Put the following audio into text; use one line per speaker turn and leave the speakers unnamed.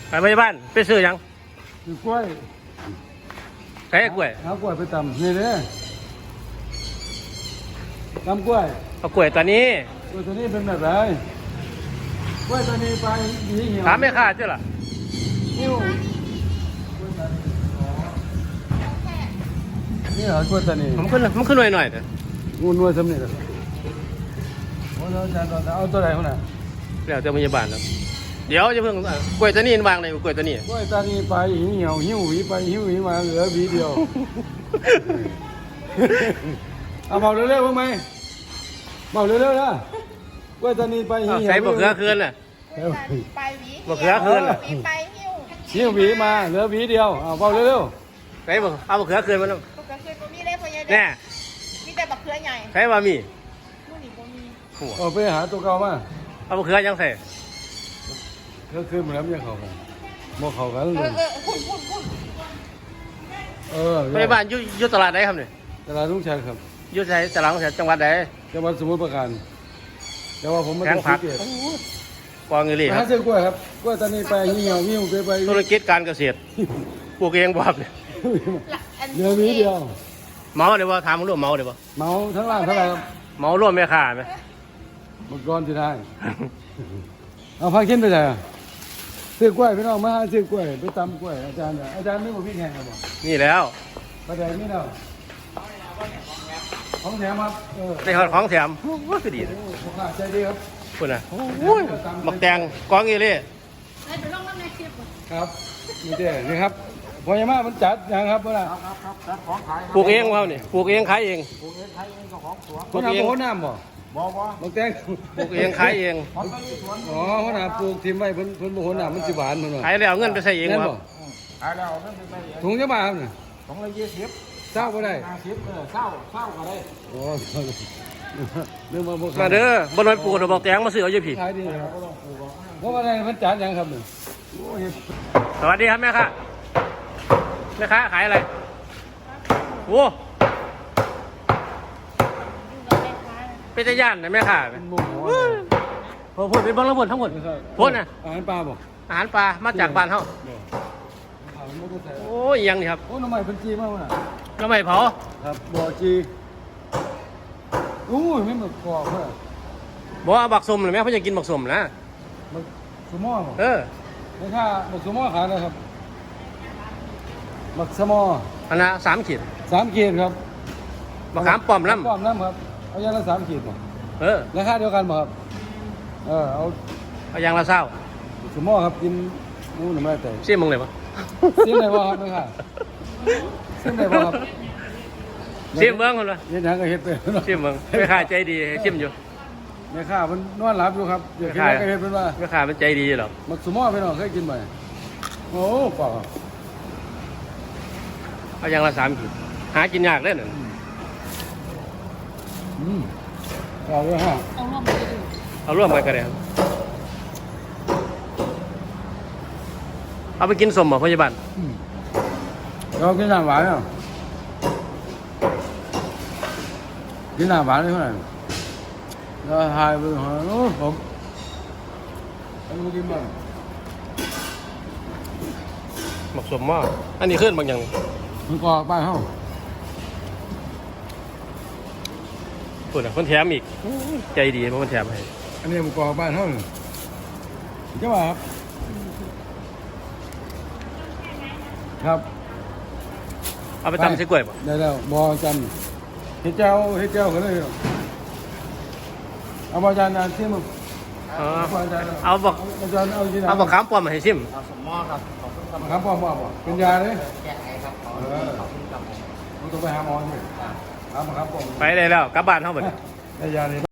ไปไม่บ้านไปซื้อยัง
คือกล้วย
ใช้กล้วย
เอากล้วยไปตำนี่เลยตำกล้วย
เอากล้วยตัวนี้
กล้วยตัวนี้เป็นแบบไรกล้วยตัวนี้ไปหนีเหี่ยว
ถามไม่ขาดใช่หรอ
นี่เหรอกล้วยตัวนี้
มันขึ้นหน่อยเถอะ
งูนวลสำเร็จแล้วโอ้เราจะเอาตัวไหนคนน่ะ
แล้วเจ้าพยาบาลแล้วเดี๋ยวจะเพิ่งกล้วยตัวนี้วางเลยกล้วยตัวนี้
กล้วยตัวนี้ไปเหี่ยวหิ้วหวีไปหิ้วหวีมาเหลือหวีเดียวเอาเบาเร็วๆบ้างไหมเบาเร็วๆนะกล้วยตัวนี้ไปหิ้ว
ใส่บะเขือคืนน่ะ
ไปหวี
บะเขือคืนน่ะ
ไป
หิ้วหวีมาเหลือหวีเดียวเอาเบาเร็ว
ๆใส่เอาบะเขือคืนมาแล้ว
บะเขือคืนบ่มีเลยพ่อใหญ่
แน่
มีแต่บะเขือใหญ่
ใส่บะหมี่
นู่นนี่บ่มี
เอาไปหาตัวเก่ามา
เอาบะเขือยังใส่
ก็คือมันแล้วยังเขากันโมเขากันเลย
พยาบาลอยู่ตลาดไหนครับเนี่ย
ตลาดลุงชัยครับ
อยู่ใส่ตลาดของจังหวัดไหน
จังหวัดสมุทรปราการแต่ว่าผมไม่
ได้ซื้อกองเงินเลยครับ
ซื้อกล้วยครับกล้วยตอนนี้ไปเหี่ยวหิ้วไป
ธุรกิจการเกษตรปลูกเองบ่ครับเนี่ย
เหลือหวีเดียว
เมาเดี๋ยวว่าถามร่วมเมาเดี๋ยวว่า
เมาทั้งล่างทั้งล่าง
เมาร่วมแม่ค้าไหม
เมื่อก่อนที่ได้เอาพาขึ้นไปไหนซื้อกล้วยพี่น้องมาซื้อกล้วยไปตำกล้วยอาจารย์ไม่บอกพี่แข่งกันบอก
นี่แล้ว
ประเดี๋ยวนี้เนาะของแถมครับ
ในของแถมว่าคือดีเลย
ใจดีครับ
คุณน่ะหมักแตงกองเงินเลย
ครับนี่เด้นี่ครับพอยามามันจัดนะครับพ่อครับ
ปลูกเองเราเนี่ยปลูกเองขายเอง
ปลูกเองขายเองของสวนปลูกเองน้ำบ่บางแตง
ปลูกเองขายเอง
อ๋อเขาหนาปลูกทิมไว้เพิ่นบ่หัวหน้ามันสิหวานเพิ่นว่า
ขายแล้วเงินไปใส่เองครับ
ขายแล้วเงินไปใส่เองถุงจะบาทครับเนี่ยถุงละ20เศร้าก็ได้50เศร้าก็ได้โอ้เรื่อง
มาเด้อบนไม้ปลูกดอกบอกแตงมาซื้อเอาเยอะผี
ขายดีครับเพราะว่าอะไรมันจานยังครับเนี่ย
สวัสดีครับแม่ค้าแม่ค้าขายอะไรโอ้เป็นตะย่านนะแม่ค้าพูดเป็นบ้างแล้วพูดทั้งหมดพูดนะ
อาหารปลาบ่
อาหารปลามาจากบ้านเขาโอ้ยยังนี่ครับ
โอ้น้ำใหม่เป็นจีมากว่ะ
น้ำใหม่เผา
ครับบ่อจีอู้ยไม่เหมือนกรอบเลย
บอกเอาบักสมหรือแม่เขาจะกินบักสมนะ
บักสมอไม่ค่าบักสมอขายเลยครับบักสมอ
อันละ3 ขีด
ครับ
บักขามป้อมน้ำ
ครับเอาอย่างละ3 ขีดป่ะราคาเดียวกันป่ะครับ
เอาอย่างละเศร้า
สมอครับกินนู้นไม่ได้แต่
เสี่ยมึงเลยปะ
เสี่ยมไหนวะครับไม่ค่ะเสี่ยมไหนวะครับ
เสี่ยมเมืองคนละ
เฮ็ดหยังก็เฮ็ดไป
เสี่ยมเมืองไม่ค่าใจดีเสี่ยมอยู่
ไม่ค่ามันนอนหลับอยู่ครับเดี๋ยวกินอะไรก็เฮ็ดเป็นว่า
ไม่ค่ามันใจดีหรอก
มักสมอไปหน่อยเคยกินไหมโอ้ป่าว
เอาอย่างละ3 ขีดหากินยากเลยน่ะ
เอาเลยฮะ
เอาร่วมกันก็ได้เอาไปกินสมบ่พยาบาล
เรากินน้ำหวานอ่ะกินน้ำหวานได้เท่าไหร่เราหายไปหาโอ้ผมเอาไปกินบ้าง
หมักสมมากอันนี้ขึ้นบางอย่าง
มันกรอบไปเฮ้า
คนอ่ะคนแถมอีกใจดีเพราะคนแถมให้
อันนี้มันกรอบไปเท่าไหร่เจ้าบ่าวครับ
เอาไปตำใส่กล้วยป่ะ
ได้แล้วบอจันเฮ็ดเจ้าก็เลยเอาบอจันที่มึง
เอาบอกเอาบอกขามป้อมมาให้ชิม
เอาสมมอครับ
ขามป้อมเป็นยาเลย
แก้ไขครับ
ต้องไปหาหมอใช่ไหมขามป้อม
ไปได้แล้วกลับบ้านเท่าไหร่
ได้ยาเลย